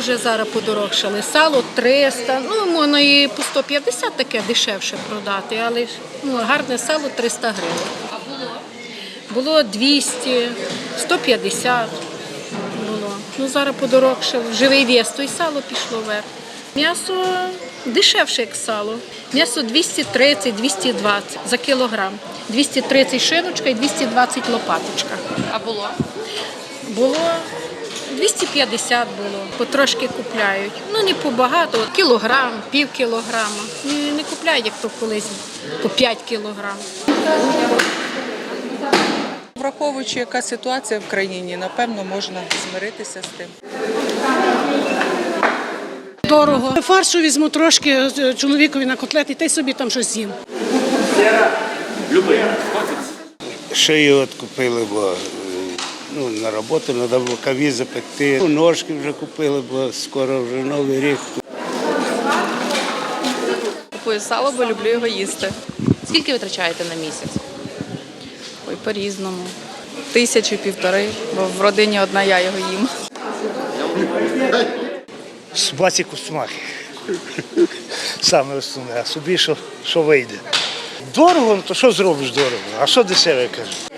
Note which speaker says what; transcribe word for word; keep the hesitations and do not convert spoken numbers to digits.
Speaker 1: вже зараз подорожчали. Сало триста, ну, можна і по сто п'ятдесят таке дешевше продати, але ну, гарне сало триста гривень.
Speaker 2: А було?
Speaker 1: Було двісті, сто п'ятдесят було. Ну, зараз подорожчало. Живий вес, то й сало пішло вверх. М'ясо дешевше, як сало. М'ясо двісті тридцять - двісті двадцять за кілограм. двісті тридцять шиночка і двісті двадцять лопаточка.
Speaker 2: А було?
Speaker 1: Було двісті п'ятдесят було, потрошки купляють. Ну, не побагато, от кілограм, пів кілограма. Не, не купляють, як то колись, по п'ять кілограм.
Speaker 3: Враховуючи, яка ситуація в країні, напевно, можна змиритися з тим.
Speaker 4: Дорого. Фаршу візьму трошки чоловікові на котлети, та й собі там щось з'їм.
Speaker 5: Шию от купили, бо ну, на роботу треба було каві запекти. Ножки вже купили, бо скоро вже Новий рік.
Speaker 6: Купую сало, бо люблю його їсти.
Speaker 2: Скільки ви витрачаєте на місяць?
Speaker 6: Ой, по-різному. Тисячу, півтори, бо в родині одна я його їм.
Speaker 7: Собаці кусмахи. Саме основне, а собі що, що вийде. Дорого, ну то що зробиш дорого? А що дешеве, кажуть?